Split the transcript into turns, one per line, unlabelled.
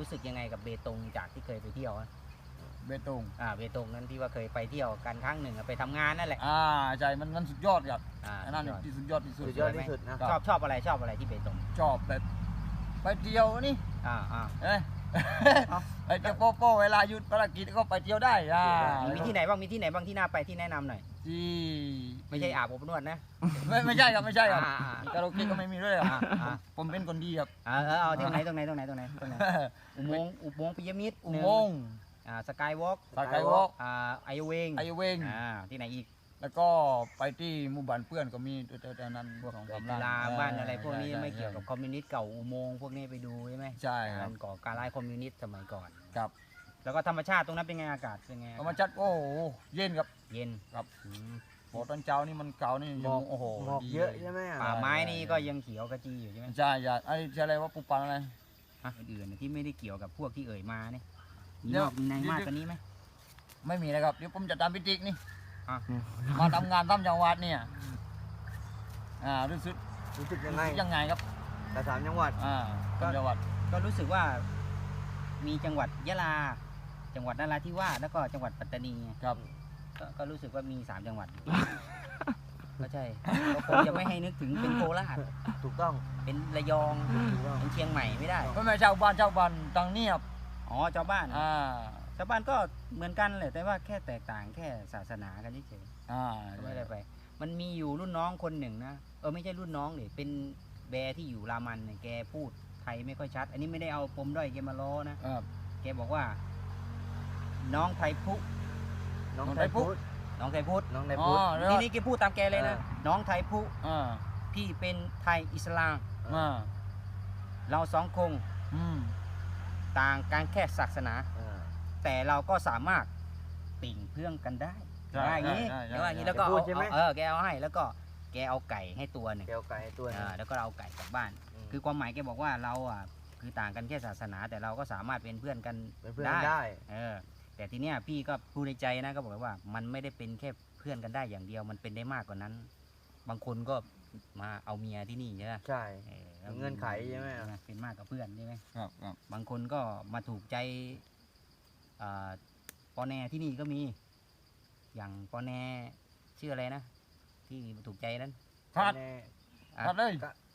รู้สึกยังไงกับเบตงจากที่เคยไปเที่ยว
เบตง
เบตงนั้นที่ว่าเคยไปเที่ยวกันครั้งหนึ่งไปทำงานนั่นแหละ
ใช่มันสุดยอดครับนั่นที่สุดยอดที่สุด
นะชอบอะไรที่เบตง
ชอบแบบไปเที่ยวนี่ไปเที่ยวโป๊ะเวลาหยุดภารกิจก็ไปเที่ยวได้
มีที่ไหนบ้างที่น่าไปที่แนะนำหน่อย
ที่
ไม่ใช่อาบอบนวดนะ
ไม่ใช่ครับคาราโอเกะก็ไม่มีด้วยผมเป็นคนดีครับ
เอาตรงไหนอุโมงค์ปิยมิตร
อุโมงค์
สกายวอล์กไอเวงที่ไหนอีก
แล้วก็ไปที่หมู่บ้านเพื่อนก็มีแต่นั้น
พวกกีฬาบ้านอะไรพวกนี้ไม่เกี่ยวกับคอมมิวนิสต์เก่าอุโมงค์พวกนี้ไปดูใช่ไหม
ใช่ครับ
ก่อการร้ายคอมมิวนิสต์สมัยก่อน
ครับ
แล้วก็ธรรมชาติตรงนั้นเป็นไงอากาศเป็นไง
ธรรมชาติโอ้เย็นครับ
เย็น
ครับพอตอนเช้านี่มันเก่านี่
โอ้โหเยอะใช่ไหม
ป่าไม้นี่ก็ยังเขียวกระจีอยู่ใช่ไหม
ใช่ไอ้อะไรว่าปูปังอะไร
อื่นที่ไม่ได้เกี่ยวกับพวกที่เอ่ยมาเนี่ยมีในมากกว่านี้ไหม
ไม่มีนะครับเดี๋ยวผมจะตามพิจิกนี่มาทำงานตามจังหวัดเนี่ยรู้สึกยังไงครับ
แต่3จังหวัด
จังหวัด
ก็รู้สึกว่ามีจังหวัดยะลาจังหวัดนราธิวาสแล้วก็จังหวัดปัตตานี
ครับ
ก็รู้สึกว่ามี3จังหวัดก็ใช่ก็คงจะไม่ให้นึกถึงเป็นโคราช
ถูกต้อง
เป็นระยองเป็นเชียงใหม่ไม่ได้
ไม่ชาวบ้านตังเนียบ
ชาวบ้านก็เหมือนกันเลยแต่ว่าแค่แตกต่างแค่ศาสนากันเฉยๆไม่ได้ไปมันมีอยู่รุ่นน้องคนหนึ่งนะไม่ใช่รุ่นน้องเลยเป็นแบร์ที่อยู่รามันเนี่ยแกพูดไทยไม่ค่อยชัดอันนี้ไม่ได้เอาปมด้อยแกมาล้อนะแกบอกว่าน้องไทยพุทีนี้แกพูดตามแกเลยนะน้องไทยพุพี่เป็นไทยอิสลามเราสองคงต่างกันแค่ศาสนาแต่เราก็สามารถปิ่งเพื่องกันได้อย่างนี้แล้วก็แกเอาให้แล้วก็แกเอาไก่ให้ตัวหนึ่งแล้วก็เอาไก่กลับบ้านคือความหมายแกบอกว่าเราคือต่างกันแค่ศาสนาแต่เราก็สามารถเป็นเพื่อนกันได้แต่ทีเนี้ยพี่ก็พูดในใจนะก็บอกว่ามันไม่ได้เป็นแค่เพื่อนกันได้อย่างเดียวมันเป็นได้มากกว่านั้นบางคนก็มาเอาเมียที่นี่ใช่ไหม
ใช่เงื่อนไขใช่ไหม
เป็นมากกับเพื่อนใช่ไหม
ครับ
บางคนก็มาถูกใจปอแนที่นี่ก็มีอย่างปอแนชื่ออะไรนะที่ถูกใจนั้น
พัดเลย